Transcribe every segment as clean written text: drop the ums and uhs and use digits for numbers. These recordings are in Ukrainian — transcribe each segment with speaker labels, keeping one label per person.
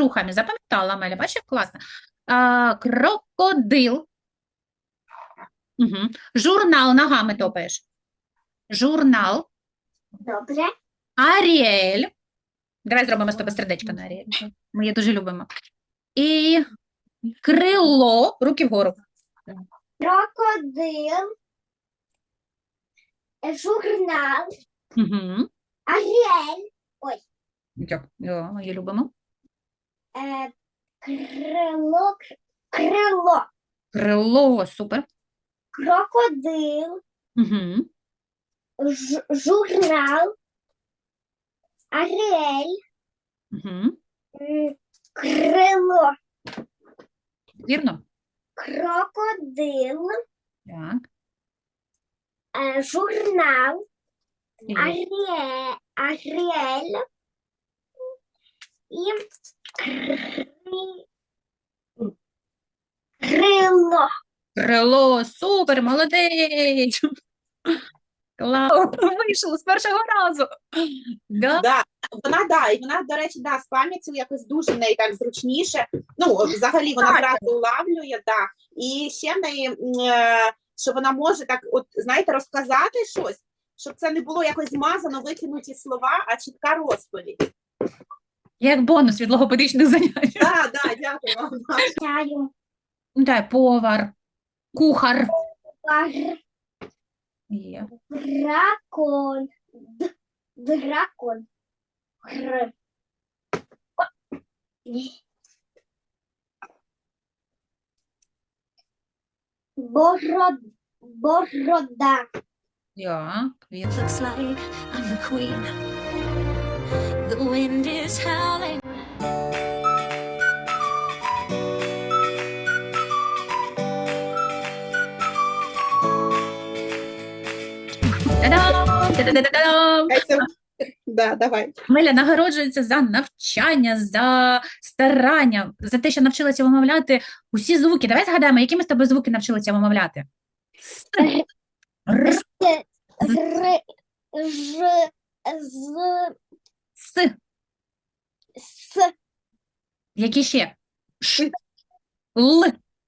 Speaker 1: рухами. Запам'ятала, Амеля, бачиш, як класно. Крокодил. Угу. Журнал, ногами топаєш. Журнал.
Speaker 2: Добре.
Speaker 1: Аріель. Давай зробимо з тобою сердечко на Аріель. Ми її дуже любимо. І крило. Руки вгору.
Speaker 2: Крокодил. Журнал.
Speaker 1: Угу.
Speaker 2: Аріель.
Speaker 1: Ми її любимо.
Speaker 2: Крило. Крило.
Speaker 1: Крило, супер.
Speaker 2: Крокодил.
Speaker 1: Угу.
Speaker 2: Журнал. Аріель.
Speaker 1: Угу.
Speaker 2: Крило.
Speaker 1: Вірно?
Speaker 2: Крокодил.
Speaker 1: Так.
Speaker 2: Журнал.
Speaker 1: І
Speaker 2: Аріель. І крило.
Speaker 1: крило, супер, молодець. Клас, вийшло з першого разу. Да?
Speaker 3: Да, і вона, до речі, з пам'яттю якось дуже в неї так зручніше. Ну, взагалі вона зразу улавлює, да. І ще в неї, що вона може так, от, знаєте, розказати щось, щоб це не було якось змазано, викинуті слова, а чітка розповідь.
Speaker 1: Як бонус від логопедичних занять.
Speaker 3: Так, дякую вам.
Speaker 2: Чаю.
Speaker 1: Дай, повар, кухар. Є.
Speaker 2: Дракон. Дракон. Борода.
Speaker 1: Так, він.
Speaker 4: Looks like I'm the queen. The wind is howling.
Speaker 1: Та-дам! Та-да-да-да-дам!
Speaker 3: Да, давай.
Speaker 1: Миля нагороджується за навчання, за старання, за те, що навчилася вимовляти усі звуки. Давай згадаємо, які ми з тобою звуки навчилися вимовляти. Р, С. Які ще? Ш, Л.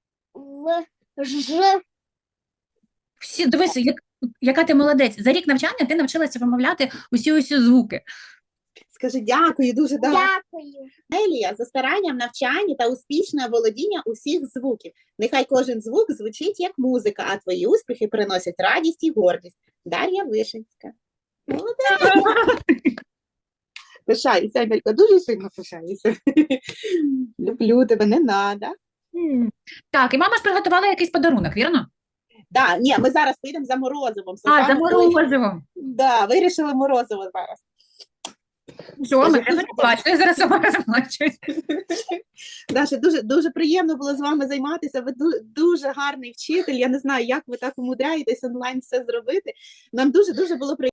Speaker 1: Всі, дивися, яка ти молодець. За рік навчання ти навчилася вимовляти усі звуки.
Speaker 3: Скажи дякую, дуже
Speaker 2: Дякую.
Speaker 3: Елія за старанням, навчання та успішне володіння усіх звуків. Нехай кожен звук звучить як музика, а твої успіхи приносять радість і гордість. Дар'я Вишинська. Молодець! Пишаюся, Амелька, дуже сильно пишаюся. Люблю тебе, не надо.
Speaker 1: Так, і мама ж приготувала якийсь подарунок, вірно?
Speaker 3: Да, ні, ми зараз поїдемо за морозивом.
Speaker 1: За морозивом.
Speaker 3: Да, вирішили морозиво зараз.
Speaker 1: Що, ми не плачу, я зараз сама розплачусь.
Speaker 3: Даша, дуже приємно було з вами займатися. Ви дуже гарний вчитель. Я не знаю, як ви так умудряєтесь онлайн все зробити. Нам дуже було приємно.